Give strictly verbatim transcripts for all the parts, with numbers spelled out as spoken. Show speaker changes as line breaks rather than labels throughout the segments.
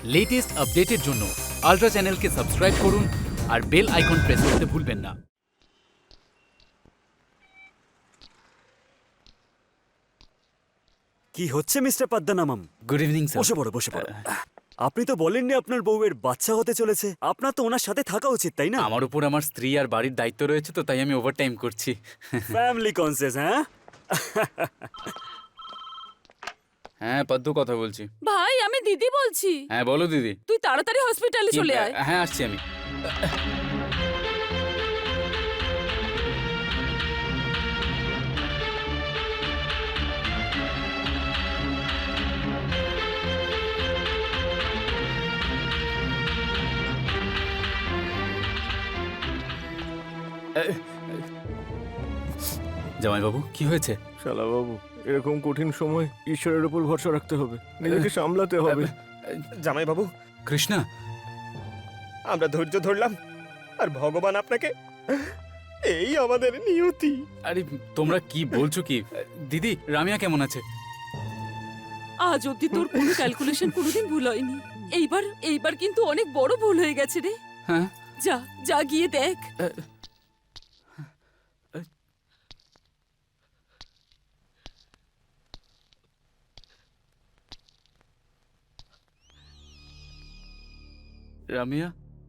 Latest আপডেটের জন্য ultra চ্যানেলকে সাবস্ক্রাইব করুন আর বেল আইকন প্রেস করতে ভুলবেন না।
কি হচ্ছে mister Padmanamam?
Good evening sir.
বসে পড়ো বসে পড়ো। আপনি তো বলেননি আপনার বউয়ের বাচ্চা হতে চলেছে। আপনার তো ওনার সাথে থাকা উচিত, তাই না?
আমার উপর আমার স্ত্রী আর বাড়ির দায়িত্ব রয়েছে, তো তাই আমি ওভারটাইম করছি।
ফ্যামিলি কনসিয়াস, হ্যাঁ?
হ্যাঁ, পদ্মু কথা বলছি।
ভাই আমি দিদি বলছি।
হ্যাঁ বলো দিদি।
তুই তাড়াতাড়ি হসপিটালে
কি-
চলে আয়।
হ্যাঁ আসছি আমি। জামাইবাবু কি হয়েছে?
শালা বাবু, এরকম কঠিন সময় ঈশ্বরের উপর ভরসা রাখতে হবে, নিজেকে সামলাতে হবে।
জামাইবাবু,
কৃষ্ণা,
আমরা ধৈর্য ধরলাম আর ভগবান আপনাকে, এই আমাদের নিয়তি।
আরে তোমরা কি বলছো কি? দিদি, রামিয়া কেমন আছে?
আজ অব্দি তোর কোনো ক্যালকুলেশন কোনোদিন ভুল হয়নি। এইবার এইবার কিন্তু অনেক বড় ভুল হয়ে গেছে রে।
হ্যাঁ,
যা যা গিয়ে দেখ।
রামিয়া,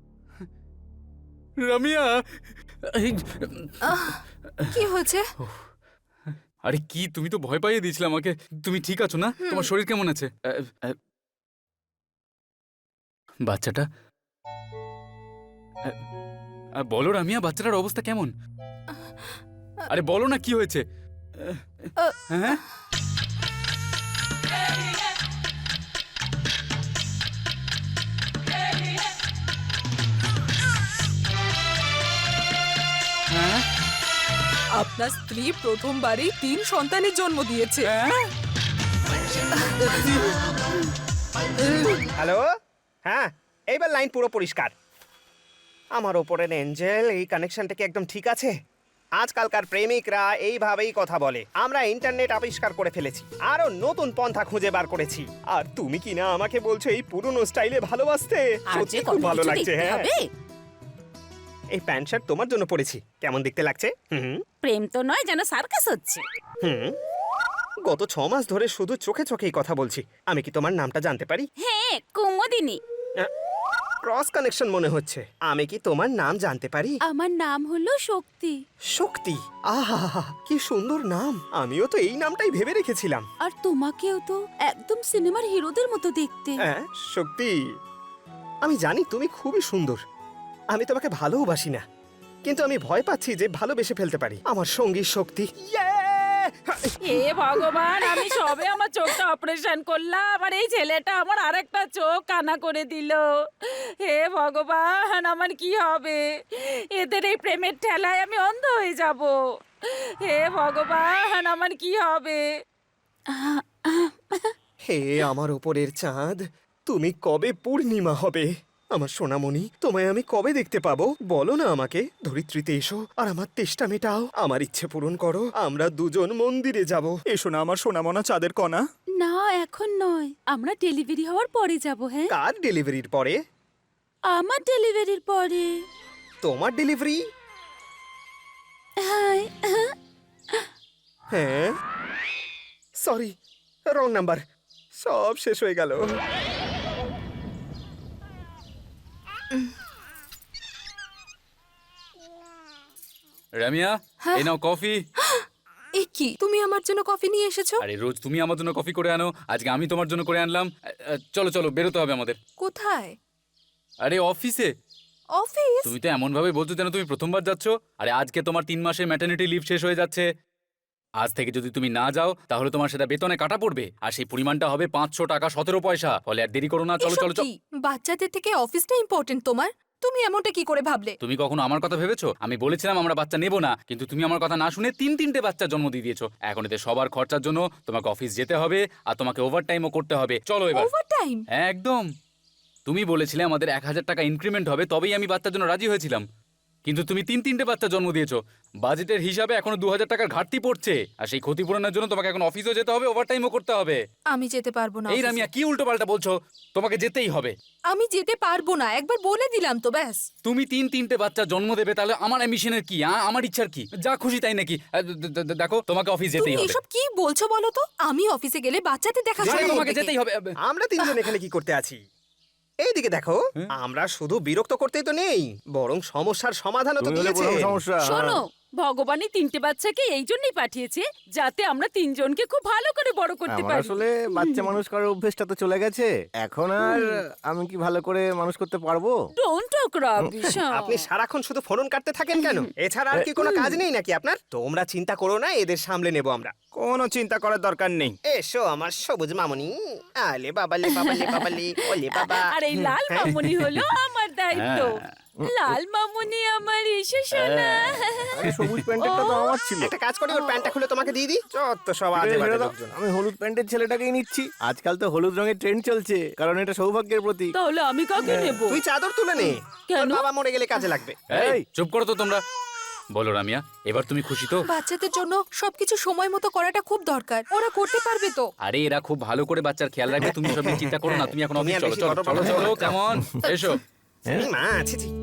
রামিয়া, এই,
কি হয়েছে?
আরে কি, তুমি তো ভয় পাইয়ে দিয়েছিলে আমাকে। তুমি ঠিক আছো না? তোমার শরীর কেমন আছে? আ, আ, বাচ্চাটা আ, আ, বলো রামিয়া, বাচ্চাটার অবস্থা কেমন? আরে বলো না কি হয়েছে? হ্যাঁ, হ্যাঁ,
আপনার স্ত্রী প্রথমবারই তিন সন্তানের জন্ম দিয়েছে।
হ্যাঁ?
হ্যালো, হ্যাঁ, এইবার লাইন পুরো পরিষ্কার। আমার ওপরের এঞ্জেল, এই কানেকশনটা কি একদম ঠিক আছে? আজকালকার প্রেমিকরা এইভাবেই কথা বলে। আমরা ইন্টারনেট আবিষ্কার করে ফেলেছি, আরো নতুন পন্থা খুঁজে বার করেছি। আর তুমি কি না আমাকে বলছো এই পুরনো স্টাইলে ভালোবাসতে? সত্যি খুব ভালো লাগছে। হ্যাঁ, এই প্যান্ট শার্ট তোমার জন্য পরেছি, কেমন দেখতে লাগছে? হুম
প্রেম তো নয়, যেন সার্কাস হচ্ছে।
হুম গত ছ মাস ধরে শুধু চোখে চোখেই কথা বলছি। আমি কি তোমার নামটা জানতে পারি?
হ্যাঁ, কুমুদিনী।
ক্রস কানেকশন মনে হচ্ছে। আমি কি তোমার নাম জানতে পারি?
আমার নাম হলো শক্তি।
শক্তি, আহা কি সুন্দর নাম। আমিও তো এই নামটাই ভেবে রেখেছিলাম।
আর তোমাকেও তো একদম সিনেমার হিরোদের মতো দেখতে।
হ্যাঁ, শক্তি, আমি জানি তুমি খুবই সুন্দর। আমি তোমাকে ভালোবাসি না, কিন্তু আমি ভয় পাচ্ছি যে ভালোবেসে ফেলতে পারি। আমার সঙ্গী শক্তি। ইয়ে!
হে ভগবান, আমি সবে আমার চোখটা অপারেশন করলাম আর এই ছেলেটা আমার আরেকটা চোখ কানা করে দিল। হে ভগবান, আমার কি হবে? এদের এই প্রেমের ঠেলায় আমি অন্ধ হয়ে যাব। হে ভগবান, আমার কি হবে?
হে আমার উপরের চাঁদ, তুমি কবে পূর্ণিমা হবে? আমার সোনামণি, তোমায় আমি কবে দেখতে পাবো বলো না আমাকে। ধরিত্রীতে এসো আর আমার তেষ্টা মেটাও, আমার ইচ্ছে পূরণ করো। আমরা দুজন মন্দিরে যাব। এসো না আমার সোনামনা চাঁদের কণা।
না, এখন নয়, আমরা ডেলিভারি হওয়ার পরে যাব। হ্যাঁ,
কার ডেলিভারির পরে?
আমার ডেলিভারির পরে।
তোমার ডেলিভারি?
হাই,
হ্যাঁ, সরি, রং নাম্বার। সব শেষ হয়ে গেল।
রামিয়া, এই নাও কফি।
এ কি, তুমি আমার জন্য কফি নিয়ে এসেছো?
আরে রোজ তুমি আমার জন্য কফি করে আনো, আজকে আমি তোমার জন্য করে আনলাম। আ, আ, চলো চলো, বেরোতে হবে আমাদের।
কোথায়?
আরে অফিসে।
অফিস?
তুমি তো এমন ভাবে বলছো যেন তুমি প্রথমবার যাচ্ছ। আরে আজকে তোমার তিন মাসের ম্যাটারনিটি লিভ শেষ হয়ে যাচ্ছে। আজ থেকে যদি তুমি না যাও তাহলে তোমার সেটা বেতনে কাটা পড়বে, আর সেই পরিমাণটা হবে পাঁচশো টাকা সতেরো পয়সা। ফলে আর দেরি করো না, চলো
এসব
চলো চলো।
কি? বাচ্চাদের থেকে অফিসটা ইম্পর্টেন্ট তোমার? তুমি এমনটা কি করে ভাবলে?
তুমি কখনো আমার কথা ভেবেছো? আমি বলেছিলাম আমরা বাচ্চা নেব না, কিন্তু তুমি আমার কথা না শুনে তিন তিনটে বাচ্চা জন্ম দিয়ে দিয়েছো। এখন এতে সবার খরচার জন্য তোমাকে অফিস যেতে হবে, আর তোমাকে ওভারটাইমও করতে হবে। চলো এবার।
ওভারটাইম?
একদম। তুমি বলেছিলে আমাদের এক হাজার টাকা ইনক্রিমেন্ট হবে, তবেই আমি বাচ্চার জন্য রাজি হয়েছিলাম। কিন্তু তুমি তিন তিনটে বাচ্চা জন্ম দিয়েছো। বাজেটের হিসাবে এখনো দু হাজার টাকার ঘাটতি পড়ছে, আর সেই ক্ষতিপূরণের জন্য তোমাকে এখন অফিসও যেতে হবে, ওভারটাইমও করতে হবে।
আমি যেতে পারবো না
এই
অফিসে।
রামিয়া, কি উল্টো পাল্টা বলছো? তোমাকে যেতেই হবে।
আমি যেতে পারবো না, একবার বলে দিলাম তো ব্যাস।
তুমি তিন তিনটে বাচ্চা জন্ম দেবে, তাহলে আমার অ্যাম্বিশনের কি? আ? আমার ইচ্ছার কি? যা খুশি তাই নাকি? আ, দে- দে- দে- দেখো, তোমাকে অফিস
তুমি
যেতেই হবে।
এসব কি বলছো বলো তো? আমি অফিসে গেলে বাচ্চাদের দেখা
আরে,
যায়
তোমাকে যেতেই হবে।
আমরা তিনজন এখানে কি করতে আছি? এইদিকে দেখো, আমরা শুধু বিরক্ত করতেই তো নেই, বরং সমস্যার সমাধানও তো
তুমি হলে
দিয়েছে।
বড় সমস্যা।
শোনো, ভগবানই তিনটে বাচ্চাকে এই জন্যই পাঠিয়েছে যাতে আমরা তিনজনকে খুব ভালো করে বড় করতে
আমার
পারি।
আসলে বাচ্চা মানুষ করার অভ্যেসটা তো চলে গেছে, এখন আর আমি কি ভালো করে মানুষ করতে পারবো?
Don't talk rubbish.
আপনি সারাক্ষণ শুধু ফোন কাটতে থাকেন কেন? এছাড়া আর কি কোনো কাজ নেই নাকি আপনার? তোমরা চিন্তা করো না, এদের সামলে নেব আমরা।
কোনো চিন্তা করার দরকার নেই।
এসো আমার সবুজ মামুনি। আলে বাবালে বাবালে বাবালে ওলে বাবা।
আর এই লাল মামুনি হলো আমার দায়িত্ব। লাল মামুনি আমার এসে শোনা।
আরে সবুজ প্যান্টেরটা তো আমার ছিল।
একটা কাজ করি, ওর প্যান্টটা খুলে তোমাকে দিয়ে দিই। যত সব আজে
ছেড়ে
বাজে
দাও।
লোকজন।
আমি হলুদ প্যান্টের ছেলেটাকেই নিচ্ছি। আজকাল তো হলুদ রঙের ট্রেন্ড চলছে, কারণ এটা সৌভাগ্যের প্রতীক।
তাহলে আমি কাকে নেব?
তুই চাদর তুলে নে,
কেন?
তোর বাবা মরে গেলে কাজে লাগবে।
এই, চুপ করো তো তোমরা। বলো রামিয়া, এবার তুমি খুশি তো?
বাচ্চাদের জন্য সবকিছু সময় মতো করাটা খুব দরকার, ওরা করতে পারবে তো।
আরে এরা খুব ভালো করে বাচ্চার খেয়াল রাখবে, তুমি সব নিয়ে চিন্তা করো না। তুমি এখন
তুমি
অফিস
আর
চলো
বেশি
চলো
বড়
চলো
বড়
চলো
কথা
কেমন? এসো।
এই মা, ছি ছি।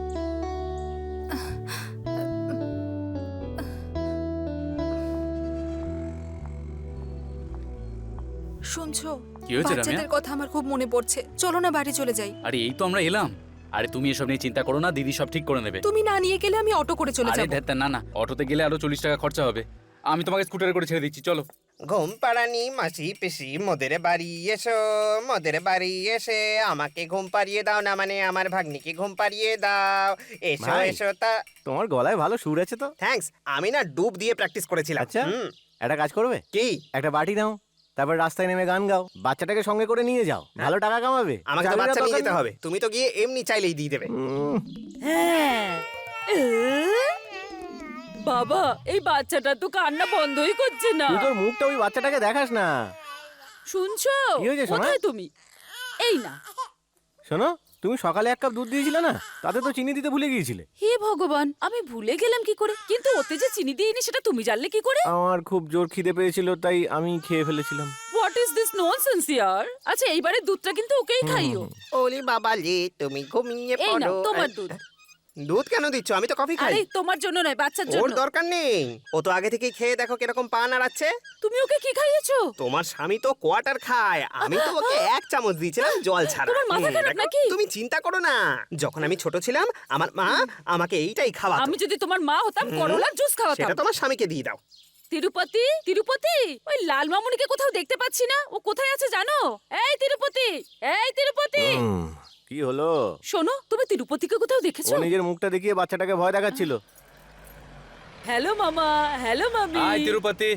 শুনছো,
কি হয়েছে রামিয়া?
বাচ্চাদের কথা আমার খুব মনে পড়ছে। চলো না বাড়ি চলে যাই।
আরে এই তো আমরা এলাম। আরে তুমি এসব নিয়ে চিন্তা করো না, দিদি সব ঠিক করে নেবে।
তুমি না নিয়ে গেলে আমি অটো করে চলে
আরে
যাবো।
ধ্যাত্তা, না না, অটোতে গেলে আরো চল্লিশ টাকা খরচা হবে। আমি তোমাকে স্কুটারে করে ছেড়ে দিচ্ছি, চলো।
ঘুম পাড়ানি মাসি পিসি মোদের বাড়ি এসো, মোদের বাড়ি এসে আমাকে ঘুম পাড়িয়ে দাও, না মানে আমার ভাগ্নিকে ঘুম পাড়িয়ে দাও। এসো
ভাই।
এসো তা।
তোমার গলায় ভালো সুর আছে তো।
থ্যাঙ্কস, আমি না ডুব দিয়ে প্র্যাকটিস করেছিলাম।
আচ্ছা।
হুম।
একটা কাজ করবে,
কি?
একটা বাটি নাও, তারপর রাস্তায় নেমে গান গাও, বাচ্চাটাকে সঙ্গে করে নিয়ে যাও, ভালো টাকা কামাবে।
আমাকে তো
চাকরির
বাচ্চা নিয়ে
দরকার
যেতে
নেই।
হবে, তুমি তো গিয়ে এমনি চাইলেই দিয়ে দেবে।
উম,
হ্যাঁ। এ? বাবা, এই বাচ্চাটা তো কান্না বন্ধই করছে না।
তুই তোর মুখটা ওই বাচ্চাটাকে দেখাস না।
শুনছো?
কি হয়েছে সোনা?
কোথায় তুমি? এই না।
শোনো, তুমি সকালে এক কাপ দুধ দিয়েছিলে না, তাতে তো চিনি দিতে ভুলে গিয়েছিলে।
হে ভগবান, আমি ভুলে গেলাম কি করে? কিন্তু ওতে যে চিনি দিইনি সেটা তুমি জানলে কি করে?
আমার খুব জোর খিদে পেয়েছিল, তাই আমি খেয়ে ফেলেছিলাম।
হোয়াট ইজ দিস ননসেন্স ইয়ার? আচ্ছা, এইবারে দুধটা কিন্তু ওকেই খাইও।
ওলি বাবা লে, তুমি ঘুমিয়ে
এই নাও
পড়ো।
তোমার দুধ।
দুধ কেন দিচ্ছ? আমি তো কফি খাই।
আরে তোমার জন্য নয়, বাচ্চার
ওর
জন্য।
দরকার নেই, ও তো আগে থেকেই খেয়ে দেখো কিরকম পা নাড়াচ্ছে।
তুমি ওকে কি খাইয়েছো?
তোমার স্বামী তো কোয়ার্টার খায়, আমি তো ওকে এক চামচ দিয়েছিলাম জল ছাড়া।
তোমার মাথা
হুম,
খারাপ
দেখো,
নাকি?
তুমি চিন্তা করো না, যখন আমি ছোট ছিলাম আমার মা আমাকে এইটাই খাওয়াতো।
আমি যদি তোমার মা হতাম, করলার জুস খাওয়াতাম।
সেটা তোমার স্বামীকে দিয়ে দাও।
তিরুপতি, তিরুপতি, ওই লাল মামুনিকে কোথাও দেখতে পাচ্ছি না। ও কোথায় আছে জানো? এই তিরুপতি, এই তিরুপতি।
হুম, কি হলো?
শোনো, তুমি তিরুপতিকে কোথাও
ও
দেখেছো?
নিজের মুখটা দেখিয়ে বাচ্চাটাকে ভয় দেখাচ্ছিল।
হ্যালো মামা, হ্যালো মামি।
আয় তিরুপতি।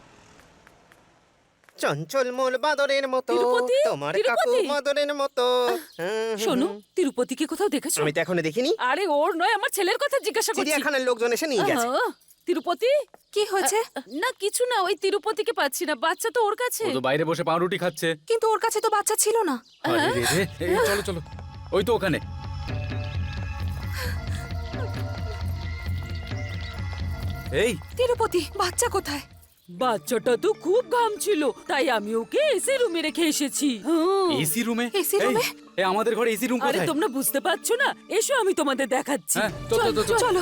চঞ্চল মূল বাদরের মতো,
তিরুপতি,
তোমার কাকু
তিরুপতি।
মদরের মতো। হুম, হুম,
শোনো,
হুম।
তিরুপতিকে কোথাও দেখেছো?
আমি তো এখনো দেখিনি।
আরে ওর নয়, আমার ছেলের কথা জিজ্ঞাসা করছি।
চিড়িয়াখানার লোকজন এসে নিয়ে গেছে।
আহা, তিরুপতি?
কি হয়েছে?
না কিছু না, ওই তিরুপতিকে পাচ্ছি না, বাচ্চা তো ওর কাছে।
ও তো বাইরে বসে পাউরুটি খাচ্ছে।
কিন্তু ওর কাছে তো বাচ্চা ছিল না।
আরে রে রে, এই চলো চলো, ওই তো ওখানে। এই,
তিরুপতি, বাচ্চা কোথায়?
বাচ্চাটা তো খুব ঘামছিল, তাই আমি ওকে এসি রুমে রেখে এসেছি। হুম।
এসি রুমে?
AC রুমে?
এই আমাদের ঘরে এসি রুম
আরে
কোথায়?
তোমরা বুঝতে পারছো না? এসো আমি তোমাদের দেখাচ্ছি।
হ্যাঁ, চল, চল, চল, চল।
চলো।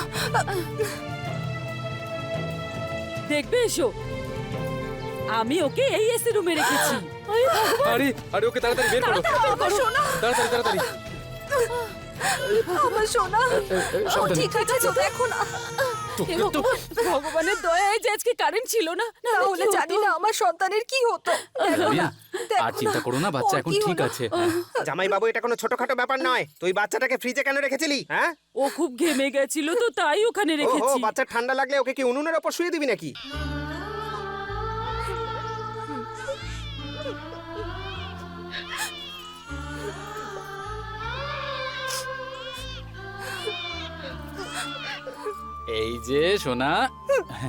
দেখবে, এসো। আমি ওকে এই এসি রুমে রেখেছি। আরে ভগবান,
আরে আরে ওকে তাড়াতাড়ি বের করো,
তাড়াতাড়ি করো।
তাড়াতাড়ি তাড়াতাড়ি।
আমার সোনা, ও
সাবধানে।
ঠিক আছে তো, দেখো না।
হে ভগবান, ভগবানের দয়ায় যে আজকে কারেন্ট ছিল না, না
তাহলে জানি না আমার সন্তানের কি হতো। দেখো
রামিয়া,
না, দেখো
আর চিন্তা করো না, বাচ্চা
ওর
এখন
কি
ঠিক
হলো?
আছে।
জামাই বাবু, এটা কোনো ছোটখাটো ব্যাপার নয়। তুই বাচ্চাটাকে ফ্রিজে কেন রেখেছিলি? হ্যাঁ,
ও খুব ঘেমে গেছিল তো তাই ওখানে
ওহো,
রেখেছি।
বাচ্চার ঠান্ডা লাগলে ওকে কি উনুনের ওপর শুয়ে দিবি নাকি?
এই যে সোনা।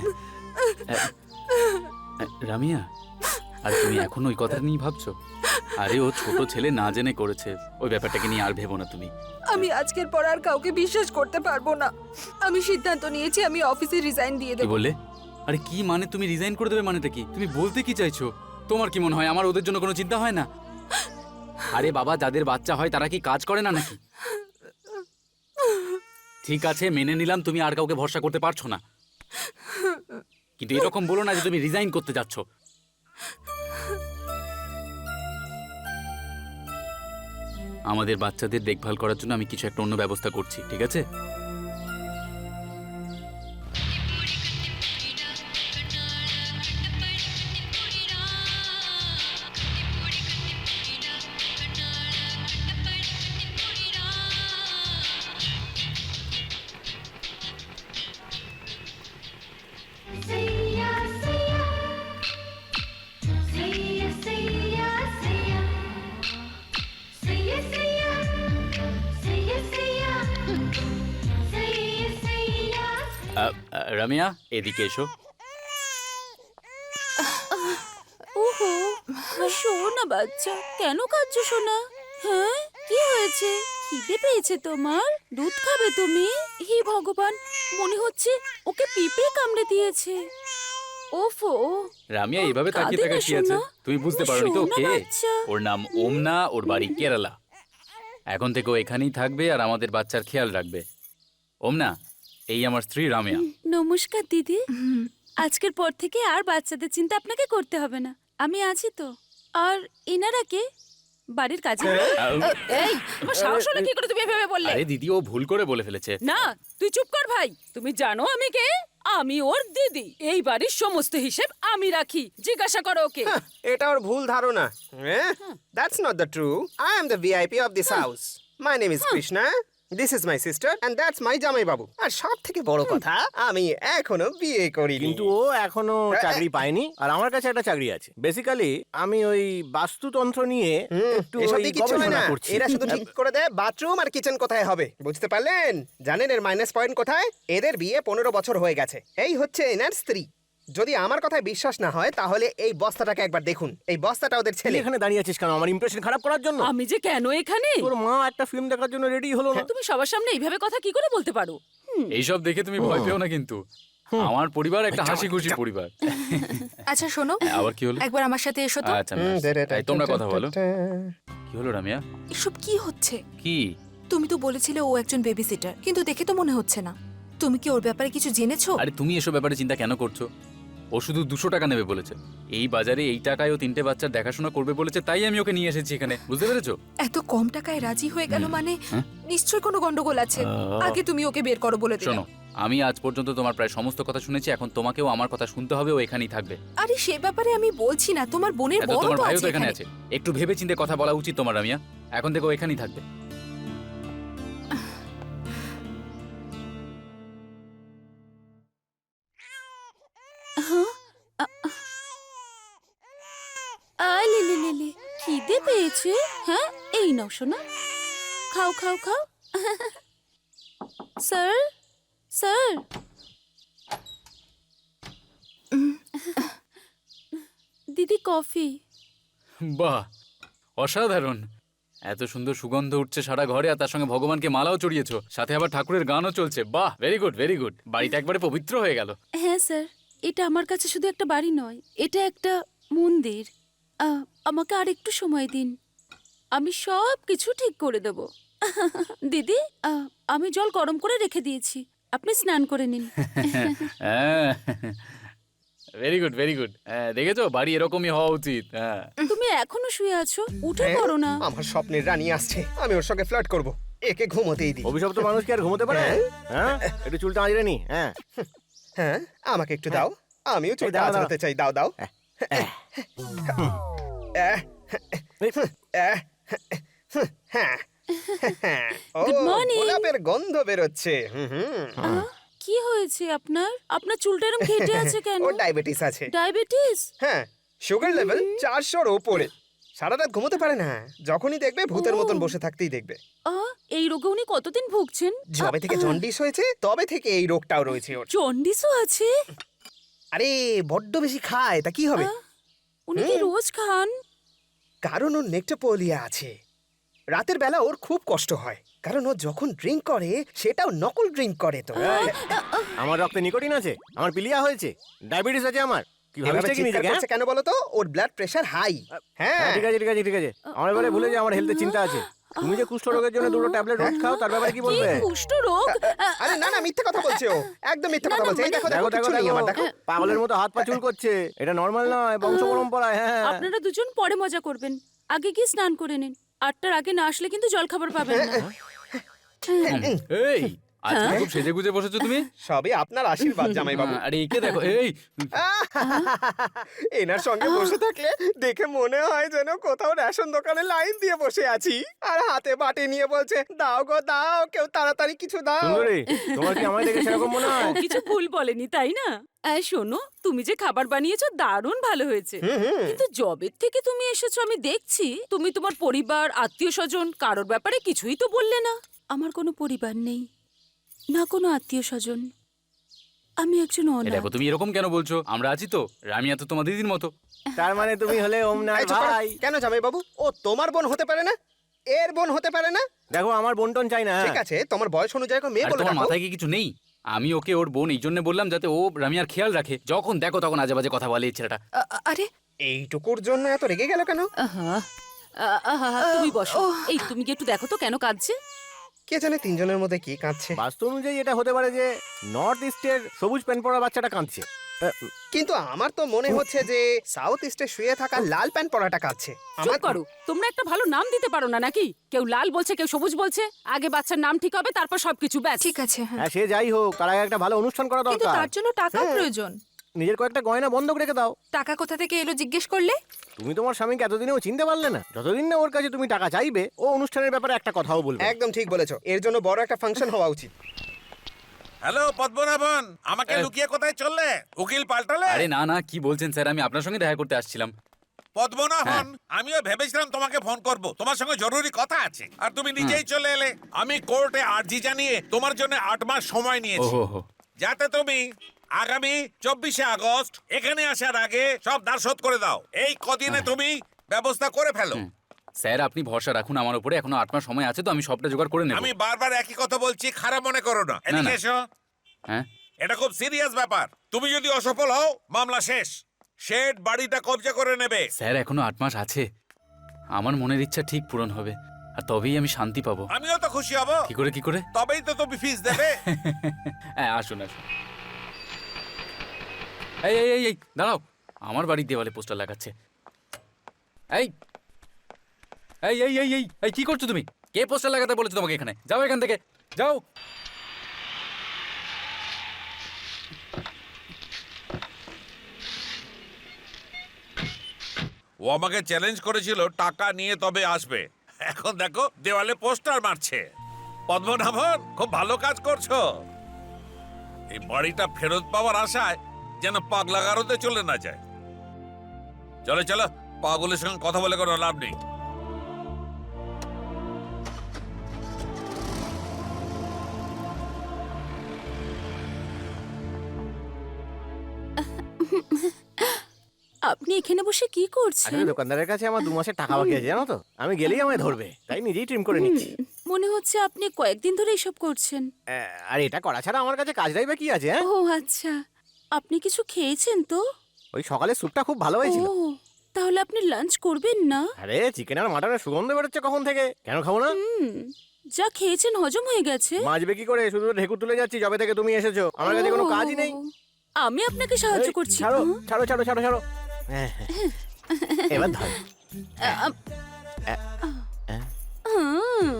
রামিয়া, আর তুমি এখন ওই কথা নিয়ে ভাবছো? আরে ও ছোট ছেলে না জেনে করেছে, ওই ব্যাপারটাকে নিয়ে আর ভেবো না তুমি।
আমি আজকের পর আর কাউকে বিশ্বাস করতে পারবো না। আমি সিদ্ধান্ত নিয়েছি আমি অফিসে রিজাইন দিয়ে
কি
দেবো।
বললে? আরে কি মানে তুমি রিজাইন করে দেবে মানেটা কি? তুমি বলতে কি চাইছো? তোমার কি মনে হয় আমার ওদের জন্য কোনো চিন্তা হয় না? আরে বাবা, যাদের বাচ্চা হয় তারা কি কাজ করে না নাকি? ঠিক আছে, মেনে নিলাম তুমি আর কাউকে ভরসা করতে পারছো না, কিন্তু এরকম বলো না যে তুমি রিজাইন করতে যাচ্ছ। আমাদের বাচ্চাদের দেখভাল করার জন্য আমি কিছু একটা অন্য ব্যবস্থা করছি, ঠিক আছে?
Siya, siya, siya, siya, siya, siya, siya, siya, siya, siya, siya.
আ, আ, রামিয়া, এদিকে এসো।
ওহো, শোনা বাচ্চা, কেন কাঁদছো সোনা? হ্যাঁ, কি হয়েছে? খিদে পেয়েছে তোমার? দুধ খাবে তুমি? হে ভগবান, মনে হচ্ছে ওকে পিঁপড়ে কামড়ে দিয়েছে। ওফো,
রামিয়া, এভাবে
কাঁদে
তাকিয়ে
না
থাকার কি আছে?
সোনা।
তুমি বুঝতে
ও
পারোনি তো
সোনা
কে?
বাচ্চা।
ওর নাম ওমনা, ওর বাড়ি কেরালা। এখন থেকে ও এখানেই থাকবে আর আমাদের বাচ্চার খেয়াল রাখবে। ওমনা, এই আমার স্ত্রী রামিয়া।
নমস্কার দিদি। আজকের পর থেকে আর বাচ্চাদের চিন্তা আপনাকে করতে হবে না, আমি আছি তো। আর এনারা কে? বাড়ির কাজে? এই, তোমার সাহস হলো কি করে তুমি এভাবে বললে?
আরে দিদি, ও ভুল করে বলে ফেলেছে।
না, তুই চুপ কর ভাই। তুমি জানো আমি কে? আমি ওর দিদি। এই বাড়ির সমস্ত হিসেব আমি রাখি। জিজ্ঞাসা করো ওকে।
হ্যাঁ, এটা ওর ভুল ধারণা। That's not the true. I am the VIP of this house. My name is Krishna, this is my sister and that's my জামাই বাবু। আর সব থেকে বড় কথা, আমি এখনো বিয়ে করিনি।
কিন্তু ও এখনো চাকরি পায়নি, আর আমার কাছে একটা চাকরি আছে। বেসিক্যালি আমি ওই বাস্তুতন্ত্র নিয়ে একটু
এসব
ওই
দিয়ে কিচ্ছু হয়
গবেষণা
না।
করছি।
এরা শুধু ঠিক করে দেয় বাথরুম আর কিচেন কোথায় হবে। বুঝতে পারলেন? জানেন এর মাইনাস পয়েন্ট কোথায়? এদের বিয়ে পনেরো বছর হয়ে গেছে। এই হচ্ছে এনার স্ত্রী। যদি আমার কথায় বিশ্বাস না হয় তাহলে এই বস্তাটাকে একবার দেখুন। এই বস্তাটা ওদের
তুই
ছেলে।
এখানে দাঁড়িয়ে আছিস কেন? আমার ইমপ্রেশন খারাপ করার জন্য?
আমি যে কেন এখানে?
তোর মা একটা ফিল্ম দেখার জন্য রেডি হলো না।
তুমি সবার সামনে এইভাবে কথা কি করে বলতে পারো?
এইসব দেখে তুমি ভয় পেও না কিন্তু। আমার পরিবার একটা হাসি খুশি পরিবার।
আচ্ছা শোনো,
আবার কি হলো?
একবার আমার সাথে এসো তো।
আচ্ছা বেশ। এই, তোমরা কথা বলো। কি হলো রামিয়া?
এসব কি হচ্ছে?
কি?
তুমি তো বলেছিলে ও একজন বেবি সিটার, কিন্তু দেখে তো মনে হচ্ছে না। তুমি কি ওর ব্যাপারে কিছু জেনেছো?
আরে তুমি এসব ব্যাপারে চিন্তা কেন করছো? ও শুধু দুশো টাকা নেবে বলেছে। এই বাজারে এই টাকায় ও তিনটে বাচ্চার দেখাশোনা করবে বলেছে, তাই আমি ওকে নিয়ে এসেছি এখানে। বুঝতে পেরেছো?
এত কম টাকায় রাজি হয়ে গেল মানে নিশ্চয়ই কোনো গন্ডগোল আছে।
আহ।
আগে তুমি ওকে বের করো বলে
শোনো,
দিলাম।
আমি আজ পর্যন্ত তোমার প্রায় সমস্ত কথা শুনেছি, এখন তোমাকেও আমার কথা শুনতে হবে। ও এখানেই থাকবে।
আরে সে ব্যাপারে আমি বলছি না, তোমার বোনের
এত
বড়
তোমার
তো
ভাইও
আছে
তো এখানে
এখানে।
আছে। একটু ভেবে চিন্তে কথা বলা উচিত তোমার রামিয়া। এখন থেকে ও এখানেই থাকবে।
আলে লে লে লে, খিদে পেয়েছে? হ্যাঁ, এই নাও শোনা, খাও খাও খাও। স্যার, স্যার, দিদি কফি।
বাহ, অসাধারণ। এত সুন্দর সুগন্ধ উঠছে সারা ঘরে, আর তার সঙ্গে ভগবানকে মালাও চড়িয়েছো, সাথে আবার ঠাকুরের গানও চলছে। বাহ, ভেরি গুড ভেরি গুড। বাড়িটা একবারে পবিত্র হয়ে গেল।
হ্যাঁ স্যার, এটা আমার কাছে শুধু একটা বাড়ি নয়, এটা একটা মন্দির। আহ, আমাকে আর একটু সময় দিন, আমি সব কিছু ঠিক করে দেব। দিদি, আহ, আমি জল গরম করে রেখে দিয়েছি, আপনি স্নান করে নিন।
Very good very good. দেখেছো, বাড়ি এরকমই হওয়া উচিত। হ্যাঁ।
তুমি এখনো শুয়ে আছো, উঠে
হ্যাঁ,
পড়ো না।
আমার স্বপ্নের রানী আসছে, আমি ওর সঙ্গে ফ্লার্ট করব। একে ঘুমোতেই দিই।
অভিশপ্ত মানুষ কি আর ঘুমোতে পারে? হ্যাঁ, একটু চুলটা আঁচড়ে নি। হ্যাঁ,
হ্যাঁ, আমাকে একটু দাও, আমিও
এই
চুলটা
দাও, দাও।
আঁচড়াতে চাই। দাও দাও। আহ,
এই,
আহ, হ্যাঁ। ও,
Good morning.
গোলাপের গন্ধ বেরোচ্ছে। হুম হুম।
আহ, কি হয়েছে আপনার? আপনার চুলটা এরকম ঘেটে আছে কেন?
ওর ডায়াবেটিস আছে।
ডায়াবেটিস?
হ্যাঁ, সুগার লেভেল চারশোর ওপরে। সারা রাত ঘুমোতে পারে না, যখনই দেখবে ভূতের
ও।
মতন বসে থাকতেই দেখবে।
আহ, এই রোগে উনি কতদিন ভুগছেন?
যবে থেকে জন্ডিস হয়েছে তবে থেকে এই রোগটাও রয়েছে ওর।
জন্ডিসও আছে?
আরে বড্ড বেশি খায়, তা কি হবে?
আহ, উনি কি রোজ খান?
কারণ ওর নেক্টোপোলিয়া আছে। রাতের বেলা ওর খুব কষ্ট হয়, কারণ ও যখন ড্রিঙ্ক করে সেটাও নকল ড্রিঙ্ক করে। তো
এই, আমার রক্তে নিকোটিন আছে, আমার পিলিয়া হয়েছে, ডায়াবেটিস আছে আমার। কি
এভাবে
ভাবিস কি
চিৎকার
নিজেকে? হ্যাঁ?
করছে কেন বলো তো? ওর ব্লাড প্রেশার হাই। হ্যাঁ
হ্যাঁ, ঠিক আছে ঠিক আছে ঠিক আছে। আমার এবারে ভুলে যে আমার হেলথের চিন্তা আছে। তুমি যে কুষ্ঠ রোগের জন্য দুটো ট্যাবলেট রোজ খাও, তার ব্যাপারে কি বলবে?
কুষ্ঠ রোগ?
আরে না না, মিথ্যে কথা বলছে ও, একদম মিথ্যে কথা বলছে। এই দেখো
দেখো
দেখো
দেখো
কিছু নেই আমার,
দেখো,
দেখো।
পাগলের মতো হাত পা চুল করছে। এটা নর্মাল নয়, বংশ পরম্পরায়। হ্যাঁ
আপনারা দুজন পরে মজা করবেন, আগে গিয়ে স্নান করে নিন। আটটার আগে না আসলে কিন্তু জল খাবার পাবেন না।
এই আজকে খুব সেজে গুজে বসেছো তুমি।
সবই আপনার আশীর্বাদ জামাই বাবু।
আরে একে দেখো, এই
এনার সঙ্গে বসে থাকলে দেখে মনে হয় যেন কোথাও রেশন দোকানে লাইন দিয়ে বসে আছি, আর হাতে বাটি নিয়ে বলছে দাও গো দাও, কেউ তাড়াতাড়ি কিছু দাও।
সুন্দরী, তোমার কি আমায় দেখে সেরকম মনে হয়?
ও কিছু ভুল বলেনি তাই না? এই শোনো, তুমি যে খাবার বানিয়েছো দারুণ ভালো হয়েছে, কিন্তু জবের থেকে তুমি এসেছো আমি দেখছি তুমি তোমার পরিবার, আত্মীয় স্বজন কারোর ব্যাপারে কিছুই তো বললে না। আমার কোনো পরিবার নেই, না কোনো আত্মীয় স্বজন। আমি একজন
এ
অনাথ।
দেখো তুমি এরকম কেন বলছো? আমরা আছি তো, রামিয়া তো তোমার দিদির মতো।
তার মানে তুমি হলে ওমনার
এই চুপ করো।
ভাই।
কেন জামাই বাবু? ও তোমার বোন হতে পারে না? এর বোন হতে পারে না?
দেখো, আমার বন্টন চাই না।
ঠিক আছে, তোমার বয়স অনুযায়ী ওকে মেয়ে
আর
বলে
তোমার
রাখো।
মাথায় কি কিছু নেই? আমি ওকে ওর বোন এই জন্য বললাম যাতে ও রামিয়ার খেয়াল রাখে। যখন দেখো তখন আজে বাজে কথা বলে এই ছেলেটা।
আ- আ- আরে
এইটুকুর জন্য এত রেগে গেল কেন?
আহা, আ- আহা, তুমি বসো। এই তুমি কি একটু দেখো তো কেন কাঁদছে?
কে জানে তিনজনের মধ্যে কি কাঁদছে।
বাস্তু অনুযায়ী এটা হতে পারে যে নর্থ ইস্টের সবুজ প্যান্ট পরা বাচ্চাটা কাঁদছে। আহ,
কিন্তু আমার তো মনে হচ্ছে যে সাউথ ইস্টে শুয়ে থাকা লাল প্যান্ট পরাটা কাঁদছে।
চুপ
আমার
করো, তোমরা একটা ভালো নাম দিতে পারো না নাকি? কেউ লাল বলছে, কেউ সবুজ বলছে। আগে বাচ্চার নাম ঠিক হবে, তারপর সবকিছু ব্যাস।
ঠিক আছে, হ্যাঁ।
হ্যাঁ, সে যাই হোক, তার আগে একটা ভালো অনুষ্ঠান করা
কিন্তু
দরকার।
তার জন্য টাকা প্রয়োজন।
নিজের কয়েকটা গয়না বন্ধক রেখে দাও।
টাকা কোথা থেকে এলো জিজ্ঞেস করলে?
তুমি তোমার স্বামীকে এতদিনেও চিনতে পারলে না? যতদিন না ওর কাছে তুমি টাকা চাইবে, ও অনুষ্ঠানের ব্যাপারে একটা কথাও বলবে না।
একদম ঠিক বলেছো, এর জন্য বড় একটা ফাংশন হওয়া উচিত।
হ্যালো পদ্মনাভন, আমাকে
এ-
লুকিয়ে কোথায় চললে? উকিল পাল্টালে?
আরে না না, কি বলছেন স্যার? আমি আপনার সঙ্গে দেখা করতে আসছিলাম।
পদ্মনাভন, আমিও ভেবেছিলাম তোমাকে ফোন করব, তোমার সঙ্গে জরুরি কথা আছে, আর তুমি নিজেই চলে এলে। আমি কোর্টে আর্জি জানিয়ে তোমার জন্য আট মাস সময় নিয়েছি,
ওহো হো।
যাতে তুমি আগামী চব্বিশে আগস্ট এখানে আসার আগে সব ধার শোধ করে দাও। এই কদিনে তুমি ব্যবস্থা করে ফেলো।
স্যার আপনি ভরসা রাখুন আমার উপরে, এখনো আট মাস সময় আছে তো আমি সবটা জোগাড় করে নেব।
আমি বারবার একই কথা বলছি, খারাপ মনে করো না। এদিকে
না।
এসো।
হ্যাঁ
এটা খুব সিরিয়াস ব্যাপার। তুমি যদি অসফল হও, মামলা শেষ। শেড বাড়িটা কবজা করে নেবে।
স্যার এখনো আট মাস আছে, আমার মনের ইচ্ছা ঠিক পূরণ হবে, আর তবেই আমি শান্তি পাবো।
আমিও তো খুশি হব।
কি করে কি করে?
তবেই তো তুমি ফিস দেবে।
হ্যাঁ আসুন আসুন। এই এই এই এই দাঁড়াও, আমার বাড়ির দেওয়ালে পোস্টার লাগাচ্ছে। এই এই এই এই এই এই কি করছো তুমি? কে পোস্টার লাগাতে বলেছো তোমাকে এখানে? যাও এখান থেকে, যাও।
ও আমাকে চ্যালেঞ্জ করেছিল টাকা নিয়ে তবে আসবে। এখন দেখো দেওয়ালে পোস্টার মারছে। পদ্মনাভন, খুব ভালো কাজ করছো। এই বাড়িটা ফেরত পাওয়ার আশায় যেন পাগলা গারদে চলে না যায়। চলো চলো, পাগলের সঙ্গে কথা বলে কোনো লাভ নেই।
আপনি এখানে বসে কি করছেন?
আসলে দোকানদারের কাছে আমার দু মাসের টাকা বাকি আছে, জানো তো। আমি গেলেই আমায় ধরবে, তাই নিজেই ট্রিম করে নিচ্ছি।
মনে হচ্ছে আপনি কয়েকদিন ধরে এসব করছেন।
আহ, আর এটা করা ছাড়া আমার কাছে কাজটাই বা কি আছে? হ্যাঁ,
ও আচ্ছা, আপনি কিছু খেয়েছেন তো?
ওই সকালে স্যুপটা খুব ভালো হয়েছিল।
ও তাহলে আপনি লাঞ্চ করবেন না?
আরে চিকেন আর মাটনের সুগন্ধ বেরোচ্ছে কখন থেকে, কেন খাবো না?
হুম, যা খেয়েছেন হজম হয়ে গেছে।
মাজবে কি করে? শুধু ঢেকুর তুলে যাচ্ছি যবে থেকে তুমি এসেছো, আমার কাছে কোনো
ও,
কাজই নেই।
আমি আপনাকে সাহায্য
এই,
করছি।
ছাড়ো
হুম,
ছাড়ো ছাড়ো ছাড়ো ছাড়ো। হ্যাঁ, হ্যাঁ। এবার ধর।
আ- হুম,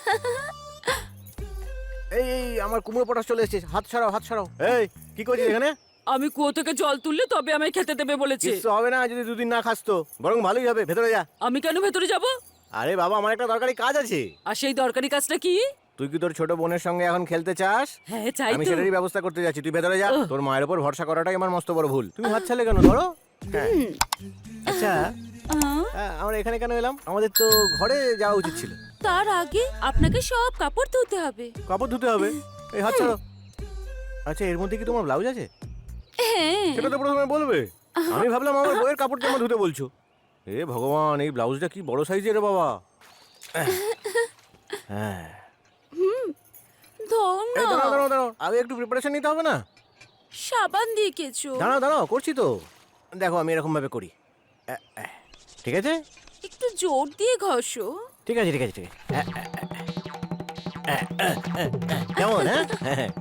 এই এই আমার কুমড়ো পটাশ চলে এসেছে, হাত ছাড়াও হাত ছাড়াও। এই কি করছিস এখানে?
আমি কুয়ো থেকে জল তুললে তবে আমায় খেতে দেবে বলেছে।
কিচ্ছু হবে না যদি দুদিন না খাস তো, বরং ভালোই হবে। ভেতরে যা।
আমি কেন ভেতরে যাব?
আরে বাবা, আমার একটা দরকারি কাজ আছে।
আর সেই দরকারি কাজটা কি?
তুই কি তোর ছোট বোনের সঙ্গে এখন খেলতে চাস?
হ্যাঁ চাই
আমি
তো।
সেটারই ব্যবস্থা করতে যাচ্ছি, তুই ভেতরে যা।
উহ।
তোর মায়ের উপর ভরসা করাটাই আমার মস্ত বড় ভুল। তুমি হাত ছাড়লে কেন? ধরো। হ্যাঁ। আচ্ছা,
আ,
আহ, আমরা এখানে কেন এলাম? আমাদের তো ঘরে যাওয়া উচিত ছিল।
তার আগে আপনাকে সব কাপড় ধুতে হবে।
কাপড় ধুতে হবে? এই হাত ছাড়ো। আচ্ছা, এর মধ্যে কি তোমার ব্লাউজ আছে?
হ্যাঁ,
সেটা তো প্রথমে বলবে। আমি ভাবলাম আমার বইয়ের কাপড় জামা ধুতে বলছো, এ ভগবান, এই ব্লাউজটা কি বড় সাইজের রে বাবা। হ্যাঁ,
ধর
এই
না।
দাঁড়াও দাঁড়াও দাঁড়াও, আগে একটু প্রিপারেশন নিতে হবে না?
সাবান দিয়ে কেছো।
দাঁড়াও দাঁড়াও, করছি তো। দেখো আমি এরকম ভাবে করি। এ, এ, ঠিক আছে
একটু জোর দিয়ে ঘষো।
ঠিক আছে ঠিক আছে ঠিক আছে। এ, এ, এ, এ, এ, এ, কেমন হ্যাঁ? হ্যাঁ।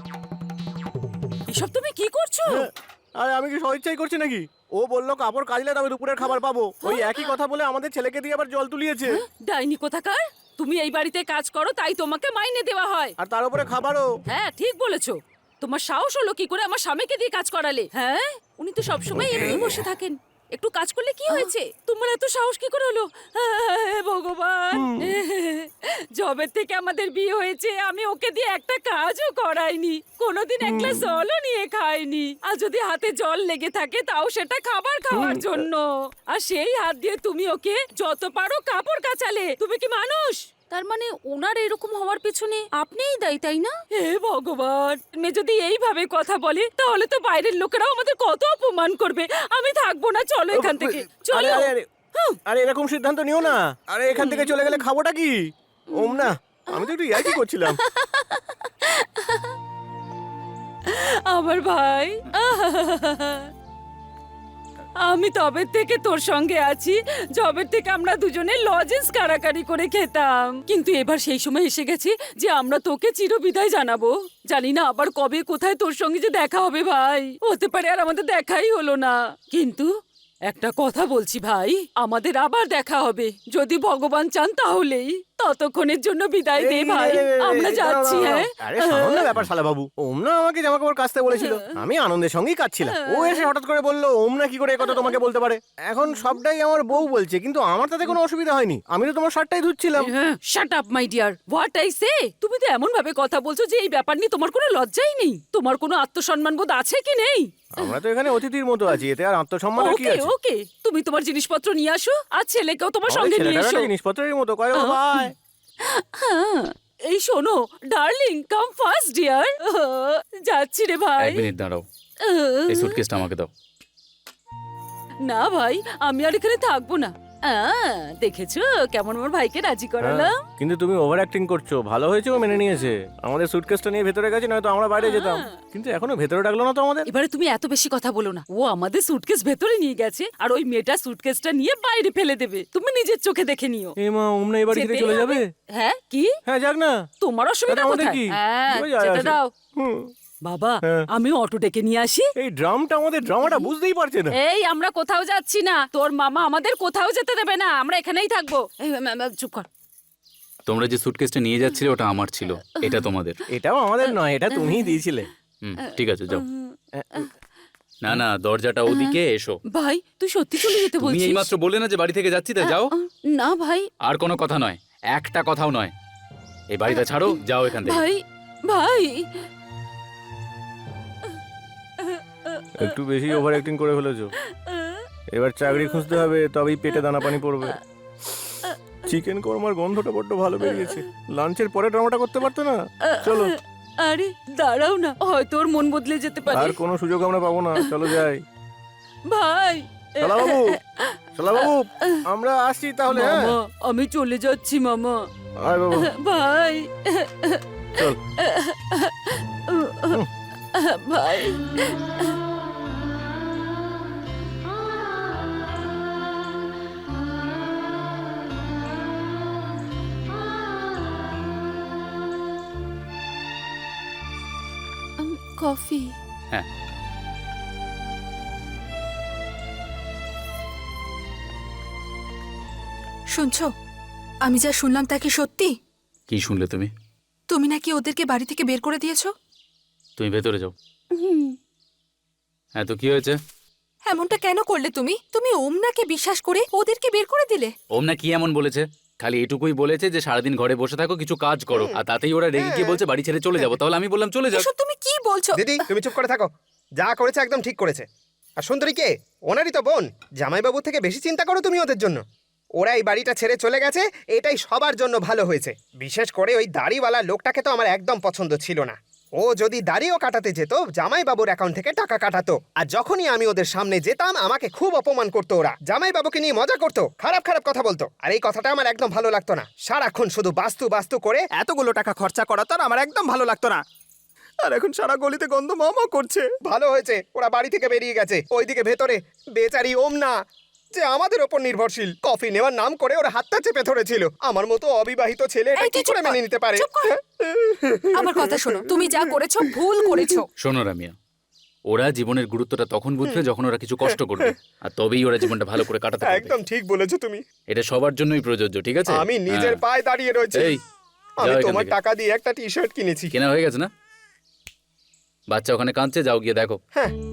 এসব তুমি কি করছো?
আরে আমি কি স্বেচ্ছাই করছি নাকি? ও বললো কাপড় কাচলে তবে দুপুরের খাবার পাবো। ওই একই কথা বলে আমাদের ছেলেকে দিয়ে আবার জল তুলিয়েছে।
ডাইনি কোথাকার, তুমি এই বাড়িতে কাজ করো তাই তোমাকে মাইনে দেওয়া হয়।
আর তার উপরে খাবারও।
হ্যাঁ ঠিক বলেছো। তোমার সাহস হলো কি করে আমার স্বামীকে দিয়ে কাজ করালে? হ্যাঁ, উনি তো সবসময় এমনি বসে থাকেন। একটু কাজ করলে কি হয়েছে? তোমার এত সাহস কি করে হলো? হে ভগবান, জবের থেকে আমাদের বিয়ে হয়েছে, আমি ওকে দিয়ে একটা কাজও করাইনি, কোনোদিন এক গ্লাস জলও নিয়ে খাইনি। আর যদি হাতে জল লেগে থাকে তাও সেটা খাবার খাওয়ার জন্য। আর সেই হাত দিয়ে তুমি ওকে যত পারো কাপড় কাচালে। তুমি কি মানুষ? তার মানে ওনার এরকম হওয়ার পেছনে আপনিই দায়ী, তাই না? হে ভগবান, মেয়ে যদি এইভাবে কথা বলে তাহলে তো বাইরের লোকেরাও আমাদের কত অপমান করবে। আমি থাকবো না, চলো এখান থেকে
আরে
চলো।
আরে আরে আরে এরকম সিদ্ধান্ত নিও না। আরে এখান থেকে চলে গেলে খাবোটা কি? ওম না, আমি তো একটু ইয়ার্কি করছিলাম।
আমার ভাই, আমি তবে থেকে তোর সঙ্গে আছি, জবের থেকে আমরা দুজনে লজেন্স কারাকারি করে খেতাম। কিন্তু এবার সেই সময় এসে গেছে যে আমরা তোকে চিরবিদায় জানাবো। জানি না আবার কবে কোথায় তোর সঙ্গে যে দেখা হবে ভাই। হতে পারে আর আমাদের দেখাই হলো না। কিন্তু একটা কথা বলছি ভাই, আমাদের আবার দেখা হবে যদি ভগবান চান তাহলেই। ততক্ষণের জন্য বিদায় দে
এই,
ভাই,
এই, এই, এই,
আমরা
এই,
যাচ্ছি।
দাঁড়াও,
হ্যাঁ
দাঁড়াও। আরে সামান্য ব্যাপার শালা বাবু। ওম না আমাকে জামা কাপড় কাচতে বলেছিল, আমি আনন্দের সঙ্গেই কাচ্ছিলাম। ও এসে হঠাৎ করে বললো ওম না কি করে কথা তোমাকে বলতে পারে। এখন সবটাই আমার বউ বলছে, কিন্তু আমার তাতে কোনো অসুবিধা হয়নি। আমি তো তোমার শার্টটাই ধুচ্ছিলাম।
Shut up my dear, what I say. তুমি তো এমন ভাবে কথা বলছো যে এই ব্যাপার নিয়ে তোমার কোনো লজ্জাই নেই। তোমার কোনো আত্মসম্মান বোধ আছে কি নেই?
আমরা তো এখানে অতিথির মতো আছি, এতে আর আত্মসম্মানের কি
ওকে
আছে?
ওকে, তুমি তোমার জিনিসপত্র নিয়ে আসো আর ছেলেকেও তোমার সঙ্গে নিয়ে এসো।
জিনিসপত্রের মতো কয় বাবাই।
হ্যাঁ, এই শোনো ডার্লিং, কাম ফার্স্ট ডিয়ার। যাচ্ছি রে ভাই।
এক মিনিট দাঁড়াও, এই সুটকেসটা আমাকে দাও।
না ভাই, আমি আর এখানে থাকবো না। আহ, দেখেছো কেমন আমার ভাইকে রাজি করালাম।
হ্যাঁ, কিন্তু তুমি ওভার অ্যাক্টিং করছো। ভালো হয়েছে ও মেনে নিয়েছে। আমাদের সুটকেসটা নিয়ে ভেতরে গেছে, নয়তো আমরা বাইরে যেতাম। কিন্তু এখনো ভেতরে ডাকলো না তো আমাদের।
এবারে তুমি এত বেশি কথা বলো না। ও আমাদের সুটকেস ভেতরে নিয়ে গেছে আর ওই মেয়েটা সুটকেসটা নিয়ে বাইরে ফেলে দেবে। তুমি নিজের চোখে দেখে নিও।
এ মা, ওমনা এই বাড়ি থেকে
যেতেই
চলে
হবে।
যাবে?
হ্যাঁ কি?
হ্যাঁ যাক না।
তোমার অসুবিধা
তাহলে আমাদের
কোথায়?
কি?
হ্যাঁ,
ওই যায়
যেতে
আসে।
দাও।
হুম।
বাবা,
হ্যাঁ।
আমি অটো ডেকে নিয়ে আসি।
এই ড্রামটা আমাদের ড্রামাটা বুঝতেই পারছে না।
এই আমরা কোথাও যাচ্ছি না, তোর মামা আমাদের কোথাও যেতে দেবে না, আমরা এখানেই থাকবো। এই, ম্যাম, ম্যাম, চুপ কর।
তোমরা যে সুটকেসটা নিয়ে যাচ্ছিলে ওটা আমার ছিল, এটা তোমাদের।
এটাও আমাদের নয়, এটা তুমিই দিয়েছিলে।
হুম, ঠিক আছে যাও। না না, দরজাটা ওদিকে, এসো।
ভাই তুই সত্যি চলে যেতে
তুমি
বলছিস?
এইমাত্র বললে না যে বাড়ি থেকে যাচ্ছি, তা যাও।
না ভাই।
আর কোনো কথা নয়, একটা কথাও নয়। এই বাড়িটা ছাড়ো, যাও এখান থেকে।
ভাই ভাই
একটু বেশি ওভার অ্যাক্টিং করে ফেলেছো। এবার চাকরি খুঁজতে হবে, তবেই পেটে দানা পানি পড়বে। চিকেন কোরমার গন্ধটা বড্ড ভালো বেরিয়েছে। লাঞ্চের পরে ড্রামাটা করতে পারতো না? চলো।
আরে দাঁড়াও না, হয়তো ওর মন বদলে যেতে পারে।
আর কোনো সুযোগ আমরা পাবো না, চলো যাই।
ভাই
শালা বাবু, শালা বাবু, আমরা আসছি তাহলে। হ্যাঁ
মামা, আমি চলে যাচ্ছি মামা।
আয় বাবা,
ভাই
চল।
ভাই কফি।
হ্যাঁ,
শুনছো, আমি যা শুনলাম তা কি সত্যি?
কি শুনলে তুমি?
তুমি নাকি ওদেরকে বাড়ি থেকে বের করে দিয়েছো?
তুমি ভেতরে যাও। হ্যাঁ, তো কি হয়েছে?
এমনটা কেন করলে তুমি? তুমি ওমনাকে বিশ্বাস করে ওদেরকে বের করে দিলে।
ওম না কি এমন বলেছে? খালি এটুকুই বলেছে যে সারাদিন ঘরে বসে থাকো, কিছু কাজ করো, আর তাতেই ওরা রেগে গিয়ে বলছে বাড়ি ছেড়ে চলে যাবো। তাহলে আমি বললাম চলে যাও।
এসব তুমি কি বলছো?
দিদি তুমি চুপ করে থাকো। যা করেছে একদম ঠিক করেছে। আর সুন্দরী কে? ওনারই তো বোন। জামাইবাবু থেকে বেশি চিন্তা করো তুমি ওদের জন্য। ওরা এই বাড়িটা ছেড়ে চলে গেছে, এটাই সবার জন্য ভালো হয়েছে। বিশেষ করে ওই দাড়িওয়ালা লোকটাকে তো আমার একদম পছন্দ ছিল না। ও যদি দাড়িও কাটাতে যেত জামাই বাবুর অ্যাকাউন্ট থেকে টাকা কাটাতো, আর যখনই আমি ওদের সামনে যেতাম আমাকে খুব অপমান করতো ওরা। জামাই বাবুকে নিয়ে মজা করতো, খারাপ খারাপ কথা বলতো, আর এই কথাটা আমার একদম ভালো লাগতো না। সারাক্ষণ শুধু বাস্তু বাস্তু করে এতগুলো টাকা খরচা করা তো আর আমার একদম ভালো লাগতো না। আর এখন সারা গলিতে গন্ধ মামা করছে। ভালো হয়েছে ওরা বাড়ি থেকে বেরিয়ে গেছে। ওইদিকে ভেতরে বেচারি ওম না, যে আমাদের ওপর নির্ভরশীল, কফি নেওয়ার নাম করে ওরা হাতটা চেপে ধরেছিল। আমার মতো অবিবাহিত ছেলে এটা
এই
কি
তুই চুপ
করে
কর,
মেনে নিতে পারে?
চুপ কর। আমার কথা শোনো, তুমি যা করেছো ভুল করেছো।
শোনো রামিয়া, ওরা জীবনের গুরুত্বটা তখন বুঝবে যখন ওরা কিছু কষ্ট করবে, আর তবেই ওরা জীবনটা ভালো করে কাটাতে পারবে।
একদম ঠিক বলেছো তুমি।
এটা সবার জন্যই প্রযোজ্য, ঠিক আছে?
আমি নিজের
হ্যাঁ।
পায়ে দাঁড়িয়ে রয়েছি।
এই,
আমি
যাও এখান
তোমার
থেকে।
টাকা দিয়ে একটা টি শার্ট কিনেছি।
কেনা হয়ে গেছে না? বাচ্চা ওখানে কাঁদছে, যাও গিয়ে দেখো।
হ্যাঁ